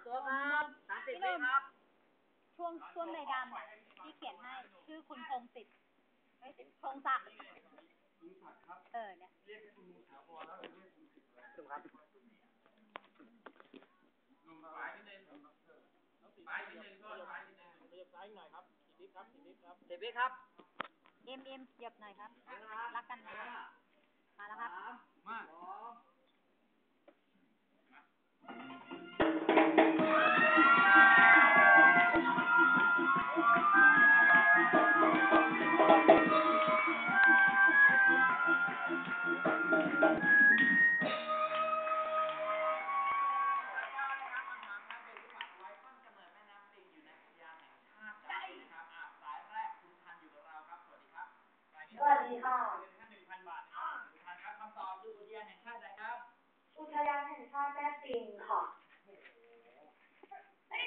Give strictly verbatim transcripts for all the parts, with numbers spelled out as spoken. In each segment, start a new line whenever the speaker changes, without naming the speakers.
ตัวครับสามสิบวิครับ
ช่วงช่วงในดำอ่ะที่เขียนให้ชื่อคุณพงศิษฐ์พงศักดิ์เออเนี่ยเรียกคุณถาวรแล้วเรียกคุณศิษฐ์ถูกครับซ้ายนิดนึงซ้ายนิดนึงก็ซ้ายนิดนึงขยับซ้ายหน่อยครับสิบวิครับสิบวิครับ
สิบวิครับ
เอ็มเอ็มเหยียบหน่อยครับรักกันนะมาแล้วครับ
มา
สวัสดีค่ะ
หนึ่งพันบาททุกท่านครับคำตอบคืออุทยานแห่งชาติอะไรครับ
อุทยานแห่งชาติแม่ปิงค่ะ
สาย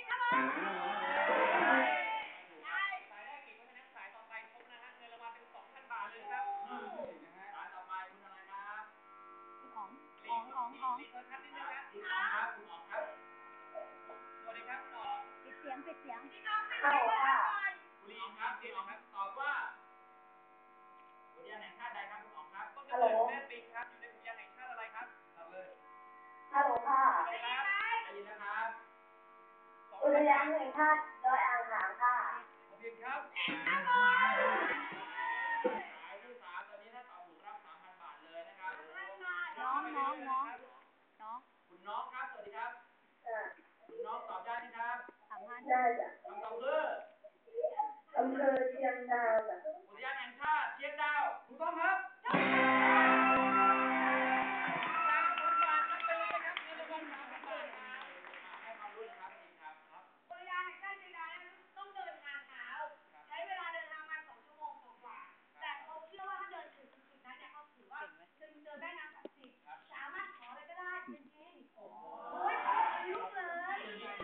แรกเก่งเพราะฉะนั้นสายต่อไปครบนะฮะเงินรางวัลเป็นสองพันบาทเลยครับสายต่อไปคุณอะไรครับ
อ๋องอ๋องอ๋องอ๋อง
ลีเธอทัศน์นิดนึงนะคุณอ๋องครับคุณอ๋องครับสวัสดีครับคุณอ๋อง
ปิดเสียงปิดเสียง
ฮัลโหลค่ะ
คุณลีครับคุณอ๋องครับตอบว่าอุทยานแห่งชาติใดครับคุณอ๋องครับต้นกำ
ฮัล
เนิ
โหล
ดแม่ปิงครับอยู่ในอุทยานแห่งชาติอะไรครับตอบเลย
ฮัลโหลค่ะ
ได้ครับได้ยินนะครับ
อุทยานแห่งชาติดอยอ่างขางค่ะ
ผิดครับสายที่สามตอนนี้ถ้าตอบถูกรับสามพันบาทเลยนะครับ
น้องน้องน้องน้อง
คุณน้องครับสวัสดีครับคุณน้องตอบได้ไหมครับ
สามพัน
ได้จ้ะ
คำตอบคือ
อำเภอเชียงดาวจ้ะ
อุทยานแห่งชาติเชียงดาวถูกต้องครับสามพันบาทรับไปเลยครับเงินรางวัลสามพันบาทครับให้ความรู้นะครับจริงครับครับ
อุทยานแห่งชาติเชียงดาวต้องเดินทางเท้าใช้เวลาเดินทางมาสองชั่วโมงกว่าแต่เขาเชื่อว่าถ้าเดินถึงจุดนั้นเนี่ยเขาถือว่าจะเจอแม่น้ำศักดิ์สิทธิ์สามารถขออะไรก็ได้จริงๆโอ้ยลุกเลย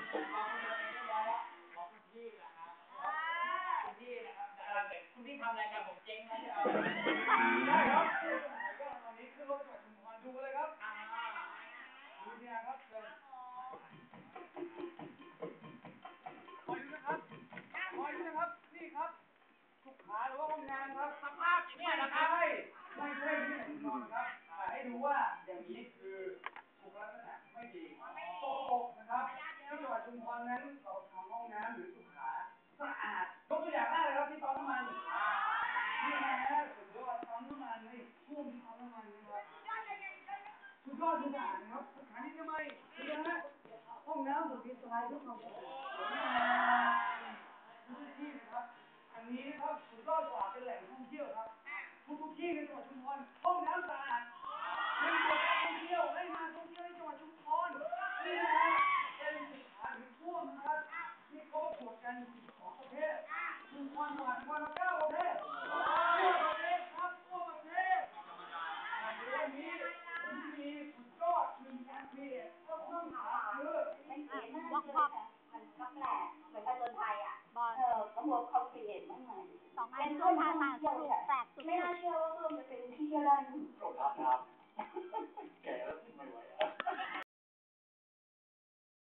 บอกคุณพี่นะครับคุณพี่นะครับคุณพี่ทำอะไรกับผมเจ๊งนะที่เอาได้ครับตอนนี้ขึ้นรถจังหวัดชุมพรดูเลยครับดูเนี่ยครับเชิญคอยดูนะครับคอยดูนะครับนี่ครับสุขาหรือว่าห้องน้ำครับสภาพอย่างนี้นะครับไม่ใช่ที่ไหนนอนครับให้ดูว่าอย่างนี้คือสุขลักษณะไม่ดีตกตกนะครับที่จังหวัดชุมพรนั้นเราทำห้องน้ำหรือสุขาสะอาดยกตัวอย่างได้เลยครับที่ปั๊มน้ำมันนี่นะฮะสุดยอดปั๊มน้ำมันในช่วงที่ปั๊มน้ำมันนะครับสุดยอดทุกอย่างนะครับสถานีทำไมนี่นะฮะห้องน้ำสุดที่สบายทุกห้องทุกที่นะครับอันนี้นะครับสุดยอดกว่าเป็นแหล่งท่องเที่ยวครับทุกๆที่ในจังหวัดชุมพรห้องน้ำสะอาดเป็นจุดท่องเที่ยวให้มาท่องเที่ยวในจังหวัดชุมพรนี่นะฮะเป็นสุขาหรือท่วมนะครับที่เขาประกวดกันของประเทศชุมพรจังหวัดชุมพรเก้าประเทศทั่วประเทศครับทั่วประเทศธรรมดาวันนี้ผมมีสุดยอดหนึ่งแอปพลิเคชันก็ต้องหาคือ
ไม่เขียนน่าจะเจอแต่มันก็แปลกเหมือนกับคนไทยอ่ะ
บอล
เออเขาบอกเขาเขียนไม่เหมือน
สองอั
เป็น น
ช่
เพื่
ว
อย น
ทาง
ท่อง
ต่างส
เที่ยว
นุก
ค่ะ
แปลกสุด
ไม่น่าเชื่อว่าเพื่อนจะเป็นที่เที่ยวได้
ครับ